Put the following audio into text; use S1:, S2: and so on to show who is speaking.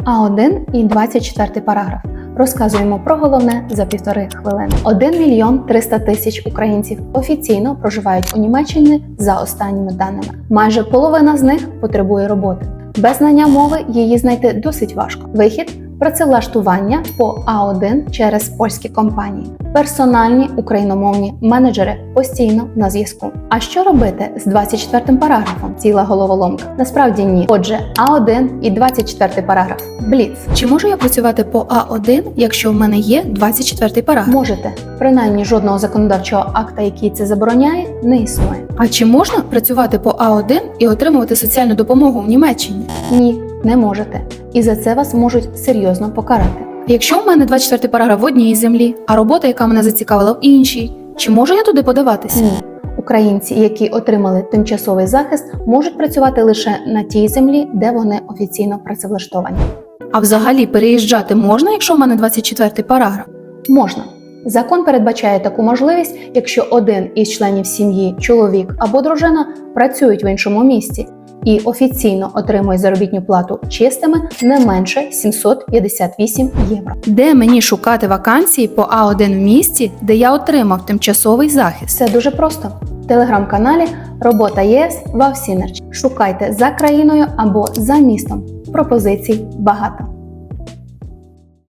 S1: А1 і 24 параграф. Розказуємо про головне за 1,5 хвилини. 1 мільйон 300 тисяч українців офіційно проживають у Німеччині за останніми даними. Майже половина з них потребує роботи. Без знання мови її знайти досить важко. Вихід – працевлаштування по А1 через польські компанії. Персональні україномовні менеджери постійно на зв'язку. А що робити з 24 параграфом? Ціла головоломка. Насправді ні. Отже, А1 і 24 параграф. Бліц.
S2: Чи можу я працювати по А1, якщо в мене є 24 параграф?
S1: Можете. Принаймні жодного законодавчого акта, який це забороняє, не існує.
S2: А чи можна працювати по А1 і отримувати соціальну допомогу в Німеччині?
S1: Ні, не можете. І за це вас можуть серйозно покарати.
S2: Якщо в мене 24 параграф в одній землі, а робота, яка мене зацікавила, в іншій, чи можу я туди подаватися?
S1: Ні. Українці, які отримали тимчасовий захист, можуть працювати лише на тій землі, де вони офіційно працевлаштовані.
S2: А взагалі переїжджати можна, якщо в мене 24 параграф?
S1: Можна. Закон передбачає таку можливість, якщо один із членів сім'ї, чоловік або дружина працюють в іншому місті і офіційно отримують заробітну плату чистими не менше 758 євро.
S2: Де мені шукати вакансії по А1 в місті, де я отримав тимчасовий захист?
S1: Все дуже просто. В телеграм-каналі «Робота ЄС Вавсінерч». Шукайте за країною або за містом. Пропозицій багато.